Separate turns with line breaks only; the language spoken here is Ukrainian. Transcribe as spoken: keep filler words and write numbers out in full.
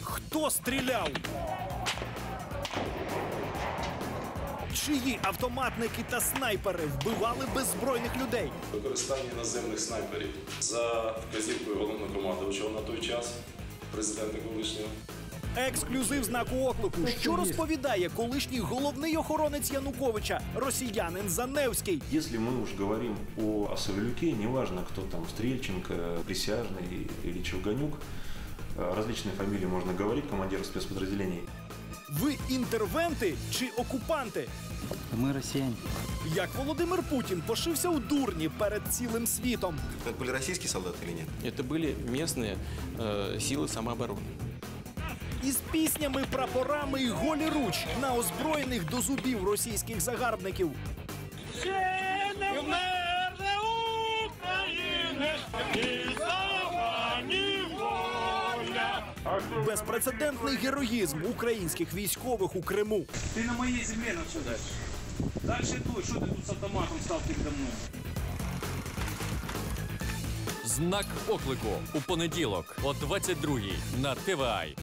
Хто стріляв? Чиї автоматники та снайпери вбивали беззбройних людей?
Використання іноземних снайперів за вказівкою головнокомандувача на той час, президента колишнього.
Ексклюзив знаку оклику. Що розповідає колишній головний охоронець Януковича, росіянин Заневський?
Если мы уж говорим о Савелюке, неважно, кто там, Стрельченко, Присяжный или Чевганюк, различные фамилии можно говорить, командиры спецподразделений.
Ви інтервенти чи окупанти?
Мы россияне.
Як Володимир Путін пошився у дурні перед цілим світом?
Это были российские солдаты или нет?
Это были местные э, силы самообороны.
Із піснями, прапорами і голі руч на озброєних до зубів російських загарбників. Безпрецедентний героїзм українських військових у Криму.
Ты на моей земле находишься. Дальше дуй, что ты тут с автоматом стал передо мной?
Знак оклику у понеділок о двадцять другій на Т В А.